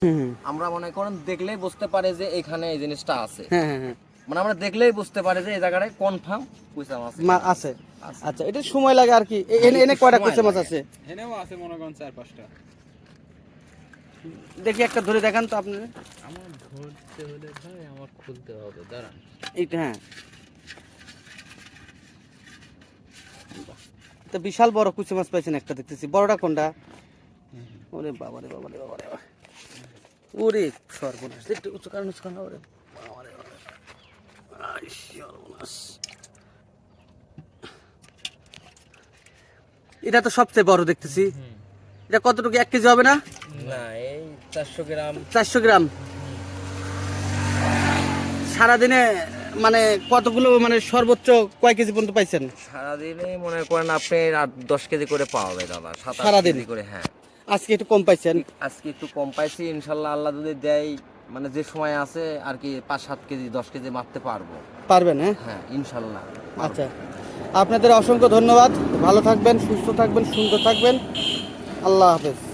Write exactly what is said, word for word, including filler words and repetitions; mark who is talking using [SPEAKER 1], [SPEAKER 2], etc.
[SPEAKER 1] আমরা মনে করেন দেখলেই বুঝতে পারে যে এখানে এই জিনিসটা আছে।
[SPEAKER 2] হ্যাঁ হ্যাঁ হ্যাঁ
[SPEAKER 1] মানে আমরা দেখলেই বুঝতে পারে যে এই জায়গাটায় কনফার্ম কুইসা মাছ
[SPEAKER 2] মা- আছে। আচ্ছা, এটা সময় লাগে আর কি। এ- এনে এনে কয়টা কুইচা মাছ আছে?
[SPEAKER 3] এনেও আছে মনে করেন চার পাঁচটা।
[SPEAKER 2] দেখি একটা ধরে দেখান তো আপনি।
[SPEAKER 3] আমার ধরতে হলে ভাই আমার খুলতে হবে, দাঁড়ান।
[SPEAKER 2] এইটা হ্যাঁ, তো বিশাল বড় কুচি মাছ পাইছেন একটা দেখতেছি। বড়টা কোনটা? ওরে বাবা রে বাবা রে বাবা রে বাবা। ওরে সর্বনাশ, একটু উঁচু কারণ উঁচু কারণ ওরে বাবা রে বাবা। আই সর্বনাশ। এটা তো সবচেয়ে বড় দেখতেছি। এটা কতটুকু, এক কেজি হবে না?
[SPEAKER 1] না, এই চারশো গ্রাম।
[SPEAKER 2] চারশো গ্রাম। সারাদিনে মানে কতগুলো, মানে সর্বোচ্চ কয় কেজি পর্যন্ত পাইছেন?
[SPEAKER 1] সারাদিনে মনে করেন আপনি আট দশ কেজি করে পাওয়া যায় দাদা, সাত আট
[SPEAKER 2] সারাদিন?
[SPEAKER 1] কেজি করে। হ্যাঁ,
[SPEAKER 2] আজকে একটু কম পাইছেন?
[SPEAKER 1] আজকে একটু কম পাইছি, ইনশাল্লাহ আল্লাহ যদি দেয়, মানে যে সময় আছে আর কি পাঁচ সাত কেজি দশ কেজি মারতে পারবো।
[SPEAKER 2] পারবেন? হ্যাঁ
[SPEAKER 1] হ্যাঁ ইনশাল্লাহ।
[SPEAKER 2] আচ্ছা, আপনাদের অসংখ্য ধন্যবাদ। ভালো থাকবেন, সুস্থ থাকবেন, সুন্দর থাকবেন। আল্লাহ হাফেজ।